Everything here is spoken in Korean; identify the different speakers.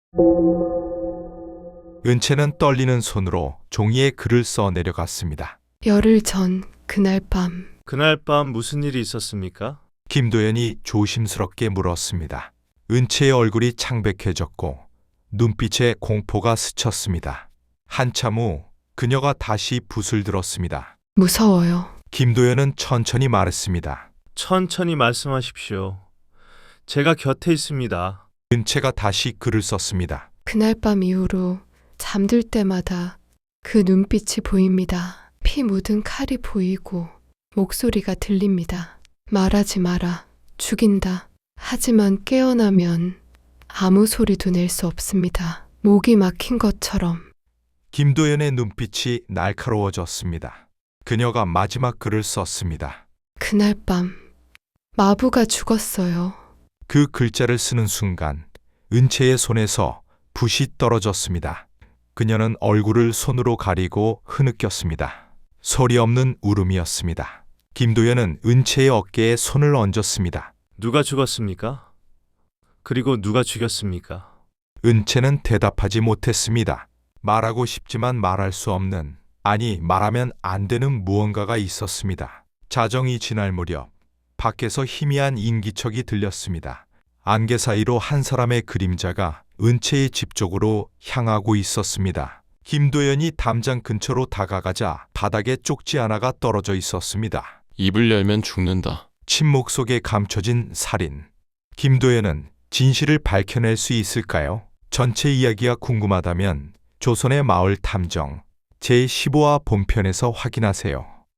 Speaker 1: 은채는 떨리는 손으로 종이에 글을 써 내려갔습니다.
Speaker 2: 열흘 전 그날 밤
Speaker 3: 그날 밤 무슨 일이 있었습니까?
Speaker 1: 김도연이 조심스럽게 물었습니다. 은채의 얼굴이 창백해졌고 눈빛에 공포가 스쳤습니다. 한참 후 그녀가 다시 붓을 들었습니다.
Speaker 2: 무서워요.
Speaker 1: 김도연은 천천히 말했습니다.
Speaker 3: 천천히 말씀하십시오. 제가 곁에 있습니다.
Speaker 1: 은채가 다시 글을 썼습니다.
Speaker 2: 그날 밤 이후로 잠들 때마다 그 눈빛이 보입니다. 피 묻은 칼이 보이고 목소리가 들립니다. 말하지 마라. 죽인다. 하지만 깨어나면 아무 소리도 낼 수 없습니다. 목이 막힌 것처럼.
Speaker 1: 김도연의 눈빛이 날카로워졌습니다. 그녀가 마지막 글을 썼습니다.
Speaker 2: 그날 밤 마부가 죽었어요.
Speaker 1: 그 글자를 쓰는 순간 은채의 손에서 붓이 떨어졌습니다. 그녀는 얼굴을 손으로 가리고 흐느꼈습니다. 소리 없는 울음이었습니다. 김도연은 은채의 어깨에 손을 얹었습니다.
Speaker 3: 누가 죽었습니까? 그리고 누가 죽였습니까?
Speaker 1: 은채는 대답하지 못했습니다. 말하고 싶지만 말할 수 없는, 아니 말하면 안 되는 무언가가 있었습니다. 자정이 지날 무렵 밖에서 희미한 인기척이 들렸습니다. 안개 사이로 한 사람의 그림자가 은채의 집 쪽으로 향하고 있었습니다. 김도연이 담장 근처로 다가가자 바닥에 쪽지 하나가 떨어져 있었습니다.
Speaker 4: 입을 열면 죽는다.
Speaker 1: 침묵 속에 감춰진 살인. 김도연은 진실을 밝혀낼 수 있을까요? 전체 이야기가 궁금하다면 조선의 마을 탐정 제15화 본편에서 확인하세요.